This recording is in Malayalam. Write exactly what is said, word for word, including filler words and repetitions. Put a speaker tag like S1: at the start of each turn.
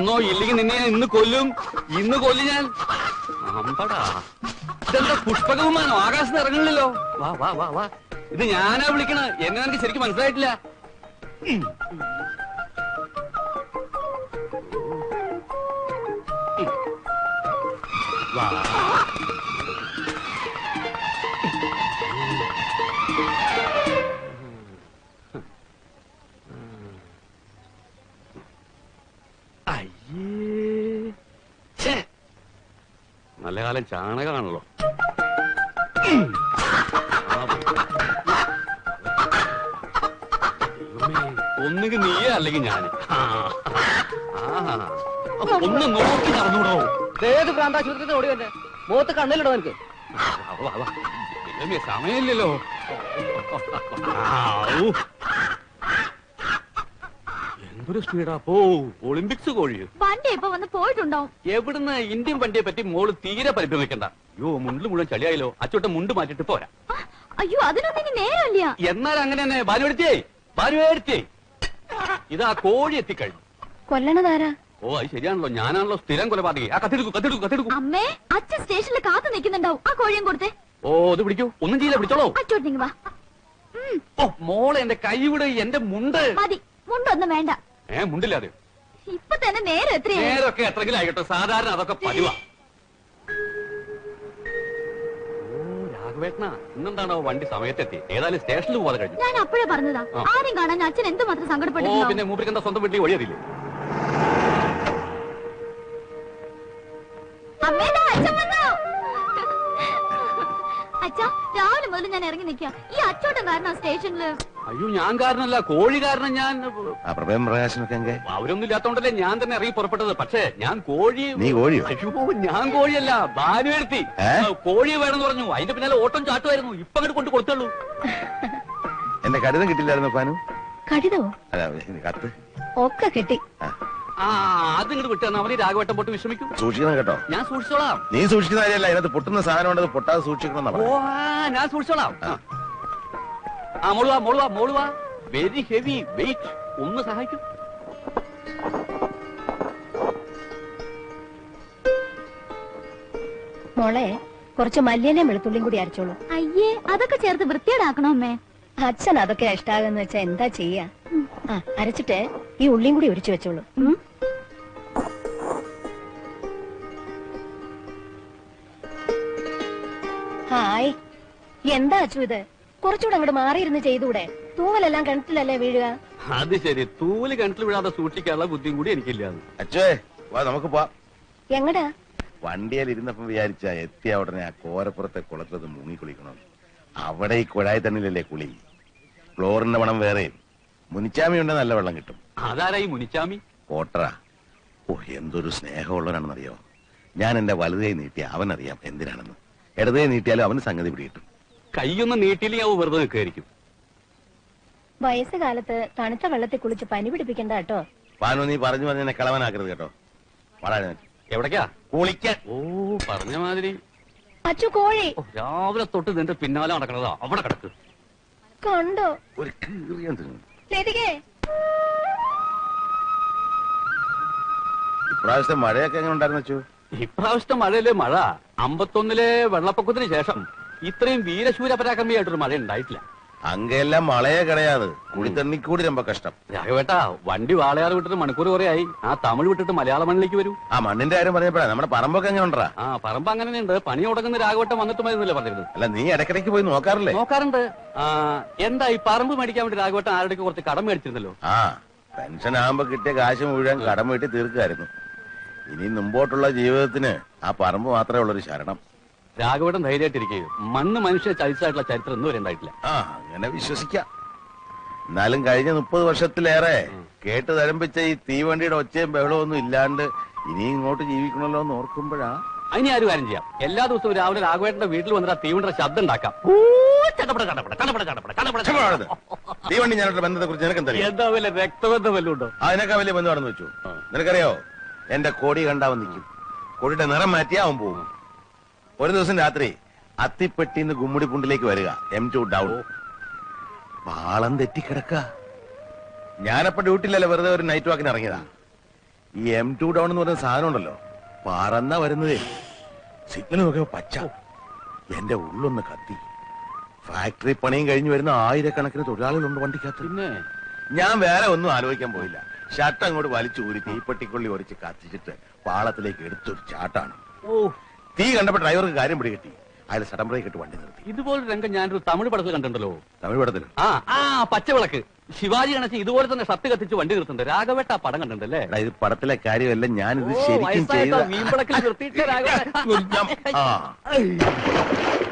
S1: വന്നോ, ഇല്ലെങ്കിൽ നിന്നെ ഞാൻ ഇന്ന് കൊല്ലും. ഇന്ന് കൊല്ലും ഞാൻ. അമ്പടാ, ഇതെന്താ പുഷ്പകവുമാനോ? ആകാശത്ത് ഇറങ്ങണില്ലല്ലോ. വാ വാ വാ വാ. ഇത് ഞാനാ വിളിക്കണ. എന്നെ എനിക്ക് ശരിക്കും മനസ്സിലായിട്ടില്ല. വാ. നല്ല കാലം ചാണകമാണല്ലോ. ഒന്നുകിൽ നീയേ അല്ലെങ്കിൽ ഞാൻ. ഒന്ന് നോക്കി നടന്നൂടോ.
S2: ഏത് പ്രാന്താശുപത്രി ഓടി വന്നെ മുഖത്ത് കണ്ണിലിടോ എനിക്ക്.
S1: സമയമില്ലല്ലോ. എന്തൊരു സ്പീഡാ പോ. ഒളിമ്പിക്സ് കോഴിയോ?
S3: വണ്ടി ഇപ്പൊ വന്ന് പോയിട്ടുണ്ടാവും.
S1: എവിടുന്ന്? ഇന്ത്യൻ വണ്ടിയെ പറ്റി മോള് തീരെ പരിഭ്രമിക്കണ്ട. അയ്യോ, മുണ്ടിൽ മുഴുവൻ ചളിയായല്ലോ. അച്ചോട്ടെ മുണ്ട് മാറ്റിട്ട് പോരാ.
S3: അയ്യോ, അതിനൊന്നും ഇനി നേരമില്ല.
S1: എന്നാൽ അങ്ങനെ തന്നെ. ഭാനുവെടുത്തേ ഭാനുവെടുത്തേ ഇതാ കോഴി എത്തിക്കഴിഞ്ഞു.
S3: കൊല്ലണതാരാ?
S1: ഓ, അത് ശരിയാണല്ലോ. ഞാനാണല്ലോ സ്ഥിരം കൊലപാതകി. ആ കത്തെടുക്കൂ കത്തെടുക്കൂ കത്തെടുക്കൂ.
S3: അമ്മേ, അച്ഛൻ സ്റ്റേഷനിൽ കാത്തു നിൽക്കുന്നുണ്ടാവും. ആ കോഴിയും കൊടുത്തേ.
S1: ഓ, ഇത് പിടിക്കൂ. ഒന്നും ചെയ്യില്ല, പിടിച്ചോളൂ.
S3: അച്ചോട്ടിങ് വാ.
S1: ഓ മോളെ, എന്റെ കൈ വിട്. എന്റെ മുണ്ട്
S3: മതി. മുണ്ടൊന്നും വേണ്ട.
S1: ഏ മുണ്ടില്ലാതെ
S3: ഇപ്പൊ തന്നെ നേരം എത്രയാ?
S1: നേരൊക്കെ എത്രങ്കിലും ആയിക്കോട്ടെ. സാധാരണ അതൊക്കെ പതിവാ. ഓ രാഘവേട്ടനാ, ഇന്നെന്താണോ വണ്ടി സമയത്തെത്തി? ഏതായാലും സ്റ്റേഷനിൽ പോകാതെ കഴിഞ്ഞു.
S3: ഞാൻ അപ്പോഴേ പറഞ്ഞതാ, ആരും കാണാൻ അച്ഛൻ എന്തുമാത്രം
S1: ഓ
S3: സങ്കടപ്പെട്ടു.
S1: പിന്നെ മൂപ്പർക്ക് എന്താ സ്വന്തം വീട്ടിൽ വഴിയറിയില്ലേ?
S3: അമ്മേതാ അച്ഛൻ വന്നു. അച്ഛാ, രാവിലെ മുതൽ ഞാൻ ഇറങ്ങി നിൽക്കാം. ഈ അച്ചോട്ടൻ കാരണം സ്റ്റേഷനില്.
S1: അയ്യോ, ഞാൻ കാരണല്ല, കോഴി കാരണം. ഞാൻ അവരൊന്നും ഇല്ലാത്തോണ്ടല്ലേ ഞാൻ തന്നെ ഇറങ്ങി പുറപ്പെട്ടത്. പക്ഷേ ഞാൻ കോഴി. അയ്യോ, ഞാൻ കോഴിയല്ല, ഭാനുവെടുത്തി. കോഴി വേണമെന്ന് പറഞ്ഞു. അതിന്റെ പിന്നാലെ ഓട്ടം ചാട്ടുമായിരുന്നു. ഇപ്പൊ അങ്ങോട്ട് കൊണ്ട് കൊടുത്തുള്ളൂ.
S4: എന്റെ കടിതം കിട്ടില്ലായിരുന്നു പാനു?
S3: കടിതമോ?
S4: കത്ത്
S3: ഒക്കെ കിട്ടി.
S1: ആ അത് ഇങ്ങോട്ട് വിട്ടാണ്. അവന് രാഘവട്ടം പോട്ട് വിശ്രമിക്കും.
S4: സൂക്ഷിക്കണം കേട്ടോ.
S1: ഞാൻ സൂക്ഷിച്ചോളാം.
S4: നീ സൂക്ഷിക്കുന്ന കാര്യമല്ല, അതിനകത്ത് പൊട്ടുന്ന സാധനം ഉണ്ടത് പൊട്ടാതെ സൂക്ഷിക്കണം.
S1: ഓ ഞാൻ സൂക്ഷിച്ചോളാം. ആ മോളുവാ മോളുവാ മോളുവാ. Very heavy weight. ഒന്ന് സഹായിക്കും.
S3: മോളെ, കുറച്ച് മല്ലിയിലും വെളുത്തുള്ളിയും കൂടി അരച്ചോളൂ. അയ്യേ, അതൊക്കെ ചേർത്ത് വൃത്തിയേടാക്കണോ അമ്മേ? അച്ഛൻ അതൊക്കെ ഇഷ്ടാകുന്ന വെച്ചാ എന്താ ചെയ്യാ. ആ അരച്ചിട്ട് ഈ ഉള്ളിയും കൂടി ഒരിച്ചു വെച്ചോളൂ. ഹായ്, എന്താ അച്ചു ഇത്? കുറച്ചുകൂടെ അങ്ങോട്ട് മാറിയിരുന്ന് ചെയ്തൂടെ? തൂവലെല്ലാം കിണറ്റിലല്ലേ വീഴുക?
S1: അത് ശരി, തൂവല് കിണറ്റിൽ വീഴാതെ സൂക്ഷിക്കാനുള്ള ബുദ്ധിയും കൂടി എനിക്കില്ലാന്ന്.
S4: അച്ഛേ വാ, നമുക്ക് പോവാം.
S3: എങ്ങടാ?
S4: വണ്ടിയിൽ ഇരുന്നപ്പം വിചാരിച്ച എത്തിയ ഉടനെ ആ കോരപ്പുറത്തെ കുളത്തിലത് മുങ്ങിക്കുളിക്കണം. അവിടെ ഈ കുഴായി തണ്ണിലല്ലേ കുളി. ക്ലോറിന്റെ മണം വേറെ. മുനിച്ചാമി ഉണ്ടെ നല്ല വെള്ളം കിട്ടും.
S1: അതാരാ ഈ മുനിച്ചാമി?
S4: കോട്ടറാ. ഓ എന്തൊരു സ്നേഹമുള്ളവനാണെന്നറിയോ. ഞാൻ എന്റെ വലുതേ നീട്ടിയ അവനറിയാം എന്തിനാണെന്ന്. ഇടതേ നീട്ടിയാലും അവന് സംഗതി പിടികിട്ടും.
S1: കൈയൊന്നും നീട്ടിയില്ലെങ്കിൽ അവ വെറുതെ നിൽക്കായിരിക്കും.
S3: വയസ്സുകാലത്ത് തണുത്ത വെള്ളത്തിൽ കുളിച്ച് പനി പിടിപ്പിക്കണ്ട കേട്ടോ.
S4: പാനു, നീ പറഞ്ഞു പറഞ്ഞ എന്നെ കളവനാക്കരുത് കേട്ടോ. വളരെ
S1: എവിടേക്കാ?
S4: കുളിക്കാൻ.
S1: ഓ പറഞ്ഞ മാതിരി.
S3: അച്ചു കോഴി
S1: രാവിലെ തൊട്ട് നിന്റെ പിന്നാലെ നടക്കണതാ. അവിടെ കിടക്ക്.
S3: കണ്ടോ?
S4: ഒരു കീറിയാൻ തിന്നു. ഇപ്രാവശ്യത്തെ മഴയൊക്കെ എങ്ങനെ ഉണ്ടായിരുന്നു അച്ചു?
S1: ഇപ്രാവശ്യത്തെ മഴയിലെ മഴ അമ്പത്തൊന്നിലെ വെള്ളപ്പൊക്കത്തിന് ശേഷം ഇത്രയും വീരശൂര പരാക്രമിയായിട്ടൊരു മഴ ഉണ്ടായിട്ടില്ല.
S4: അങ്ങെല്ലാം മഴയെ കിടയാത്. കുടിത്തണ്ണിക്കൂടി രമ്പ കഷ്ടം.
S1: രാഘവേട്ടാ, വണ്ടി വാളയാറ് വിട്ടിട്ട് മണിക്കൂർ കുറെ ആയി. ആ തമിഴ് വിട്ടിട്ട് മലയാള മണ്ണിലേക്ക് വരൂ.
S4: ആ മണ്ണിന്റെ കാര്യം പറഞ്ഞപ്പോഴാ നമ്മുടെ പറമ്പൊക്കെ എങ്ങനെ ഉണ്ടാ?
S1: ആ പറമ്പ് അങ്ങനെയുണ്ട്. പണി തുടങ്ങുന്ന രാഘവട്ടം വന്നിട്ട് മതിന്നല്ലേ പറഞ്ഞിരുന്നത്?
S4: അല്ല, നീ ഇടയ്ക്കിടയ്ക്ക് പോയി നോക്കാറില്ലേ?
S1: നോക്കാറുണ്ട്. ആ എന്താ ഈ പറമ്പ് മേടിക്കാൻ വേണ്ടി രാഘവട്ടം ആരുടെയൊക്കെ കുറച്ച് കടം മേടിച്ചിരുന്നല്ലോ.
S4: ആ പെൻഷൻ ആകുമ്പോ കിട്ടിയ കാശ് മുഴുവൻ കടം വീട്ടി തീർക്കായിരുന്നു. ഇനി മുമ്പോട്ടുള്ള ജീവിതത്തിന് ആ പറമ്പ് മാത്രമേ ഉള്ളൊരു ശരണം.
S1: രാഘവട്ടം ധൈര്യമായിട്ടിരിക്കുക. മണ്ണ് മനുഷ്യ ചരിച്ചായിട്ടുള്ള ചരിത്രം ഒന്നും വരെ ഉണ്ടായിട്ടില്ല.
S4: ആ അങ്ങനെ വിശ്വസിക്കാം. എന്നാലും കഴിഞ്ഞ മുപ്പത് വർഷത്തിലേറെ കേട്ട് തരംപിച്ച ഈ തീവണ്ടിയുടെ ഒച്ചയും ബഹളവും ഒന്നും ഇല്ലാണ്ട് ഇനി ഇങ്ങോട്ട് ജീവിക്കണല്ലോ എന്ന് ഓർക്കുമ്പോഴാ.
S1: അതിന് ആരും കാര്യം ചെയ്യാം. എല്ലാ ദിവസവും രാവിലെ രാഘവേട്ടന്റെ വീട്ടിൽ വന്നിട്ട് ആ തീവണ്ടിയുടെ ശബ്ദം ഉണ്ടാക്കാം.
S4: തീവണ്ടി ഞാനുള്ള ബന്ധത്തെ കുറിച്ച് നിനക്ക് എന്താ?
S1: എന്താ വല്ല രക്തബന്ധം വല്ലതും ഉണ്ടോ?
S4: അതിനൊക്കെ വലിയ ബന്ധമാണെന്ന് വെച്ചു. നിനക്കറിയോ, എന്റെ കൊടി കണ്ടാവൻ നിൽക്കും. കൊടിയുടെ നിറം മാറ്റിയാ അവൻ പോകും. ഒരു ദിവസം രാത്രി അത്തിപ്പെട്ടിന്ന് ഗുമ്മുടിപ്പുണ്ടിലേക്ക് വരിക. M two down. പാളം തെറ്റിക്കിടക്ക. ഞാനപ്പോ ഡ്യൂട്ടിയിലല്ല, വെറുതെ ഒരു നൈറ്റ് വാക്കിന് ഇറങ്ങിയതാ. ഈ എം ടു ഡൗൺ എന്ന് പറയുന്ന സാധനം ഉണ്ടല്ലോ, പറന്ന വരുന്നതേ. സിഗ്നൽ നോക്കിയപ്പോ പച്ച. എന്റെ ഉള്ളൊന്ന് കത്തി. ഫാക്ടറി പണിയും കഴിഞ്ഞു വരുന്ന ആയിരക്കണക്കിന് തൊഴിലാളികളുണ്ട് വണ്ടിക്കകത്ത്.
S1: പിന്നെ
S4: ഞാൻ വേറെ ഒന്നും ആലോചിക്കാൻ പോയില്ല. ഷർട്ട് അങ്ങോട്ട് വലിച്ചു ഊരി തീപ്പെട്ടിക്കൊള്ളി ഒരച്ച് കത്തിച്ചിട്ട് പാളത്തിലേക്ക് എടുത്തൊരു ചാട്ടാണ്.
S1: ഓ,
S4: തീ കണ്ടപ്പോ ഡ്രൈവർക്ക് കാര്യം പിടികിട്ടി. അയാൾ സഡൻ ബ്രേക്ക് ഇട്ട് വണ്ടി നിർത്തി.
S1: ഇതുപോലെ രംഗം ഞാനൊരു തമിഴ് പടത്തിൽ കണ്ടിട്ടുണ്ടല്ലോ.
S4: തമിഴ് പടത്തിൽ
S1: ആ ആ പച്ചവിളക്ക് ശിവാജി ഗണേശൻ ഇതുപോലെ തന്നെ ഷർട്ട് കത്തിച്ച് വണ്ടി നിർത്തുന്നുണ്ട്. രാഘവേട്ട ആ പടം കണ്ടിട്ടുണ്ടല്ലേ?
S4: ഇത് പടത്തിലെ കാര്യമല്ല, ഞാനിത്
S1: ഓ,
S4: ശരിക്കും
S1: വയസ്സായിട്ടോ
S4: ചെയ്ത
S1: മീൻപിളക്കിൽ നിർത്തിയിട്ട് രാഘവേട്ട.
S4: ആ